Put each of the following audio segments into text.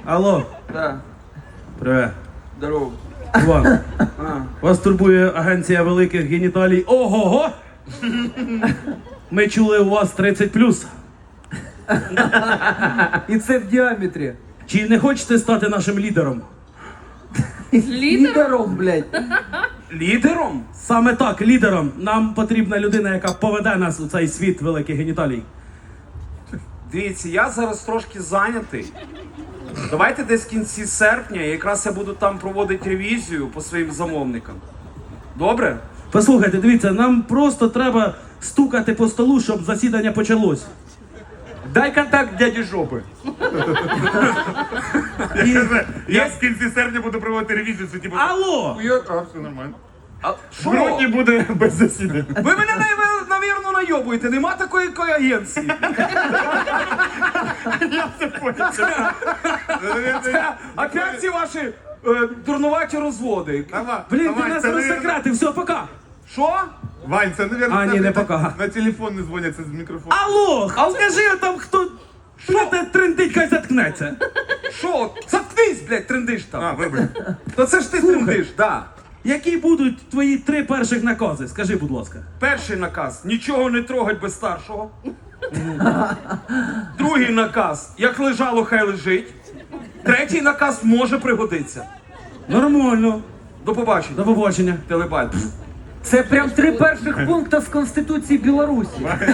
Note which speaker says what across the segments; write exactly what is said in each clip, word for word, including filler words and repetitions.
Speaker 1: Алло,
Speaker 2: Да.
Speaker 1: привет.
Speaker 2: Здорово.
Speaker 1: Іван,
Speaker 2: А.
Speaker 1: вас турбує агенція великих геніталій. Ого-го! Ми чули, у вас тридцять плюс.
Speaker 3: І це в діаметрі.
Speaker 1: Чи не хочете стати нашим лідером?
Speaker 3: Лідером, блядь.
Speaker 2: Лідером?
Speaker 1: Саме так, лідером. Нам потрібна людина, яка поведе нас у цей світ великих геніталій.
Speaker 2: Дивіться, я зараз трошки зайнятий. Давайте десь в кінці серпня, якраз я буду там проводити ревізію по своїм замовникам. Добре?
Speaker 1: Послухайте, дивіться, нам просто треба стукати по столу, щоб засідання почалось.
Speaker 4: Дай контакт дяді Жопи.
Speaker 1: І...
Speaker 4: Я в кінці серпня буду проводити ревізію, це типу...
Speaker 1: Алло!
Speaker 4: Я, а, все нормально.
Speaker 2: А
Speaker 4: В
Speaker 2: що?
Speaker 4: грудні буде без засідань.
Speaker 2: Ви мене, нав- навірно, найобуєте. Нема такої ко- агенції. Опять ці ваші е, дурнуваті розводи.
Speaker 4: Давай,
Speaker 1: Блін, ти
Speaker 4: давай,
Speaker 1: нас
Speaker 4: це, наверно-
Speaker 1: розсекретив, все, пока!
Speaker 2: Що?
Speaker 4: Вань, це, наверное,
Speaker 1: А, ні, не пока.
Speaker 4: На телефон не дзвоняться з мікрофону.
Speaker 1: Алло! А скажи там, хто... Що те трендить, хай заткнеться.
Speaker 2: Що? Заткнись, блядь, трендиш там.
Speaker 4: А, вибач.
Speaker 2: То це ж ти трендиш, да.
Speaker 1: Які будуть твої три перших накази? Скажи, будь ласка.
Speaker 2: Перший наказ – нічого не трогать без старшого. Другий наказ – як лежало, хай лежить. Третій наказ може пригодитися.
Speaker 1: Нормально.
Speaker 2: До побачення.
Speaker 1: До побачення.
Speaker 2: Телебаль.
Speaker 3: Це прям три перших пункти з Конституції Білорусі.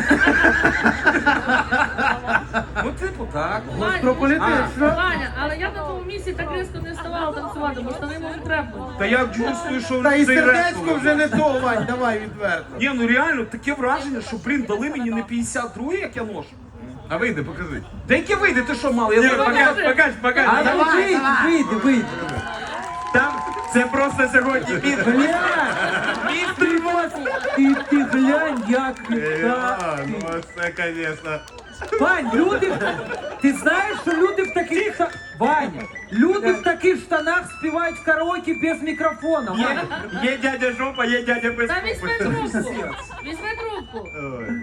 Speaker 2: Ну, типу, так.
Speaker 3: Про політичну.
Speaker 5: Ваня, але я на тому місці так різко не вставала танцювати, бо штани мені треба.
Speaker 2: Та я чувствую, що
Speaker 6: Та і
Speaker 2: цей
Speaker 6: сердечко
Speaker 2: реп-
Speaker 6: вже не то, Вань, давай відверто.
Speaker 2: Ні, ну реально, таке враження, що, блін, дали мені не п'ятдесят два, як я ношу.
Speaker 4: А вийди, покажи.
Speaker 2: Та яке вийде, ти що мали? Я
Speaker 4: Ні,
Speaker 2: зараз-
Speaker 4: покаж, покаж, покаж.
Speaker 3: А ну вийди, вийди, вийди.
Speaker 4: Там це просто сьогодні під...
Speaker 3: Блядь! Ти, вас- ти, ти глянь, як
Speaker 4: А,
Speaker 3: так.
Speaker 4: ну це, конечно.
Speaker 3: Вань, люди, ти знаєш, що люди в таких ста- Ваня, люди в таких штанах співають в караоке без мікрофона.
Speaker 4: Є,
Speaker 3: Ваня.
Speaker 4: є дядя Жопа, є дядя без
Speaker 5: Та
Speaker 4: купи.
Speaker 5: візьми трубку. Візьми трубку.
Speaker 4: Ой,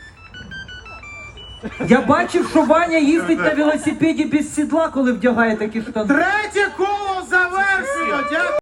Speaker 3: Я бачив, що Ваня їздить на велосипеді без сідла, коли вдягає такі штани.
Speaker 6: Третє коло завершено, дякую.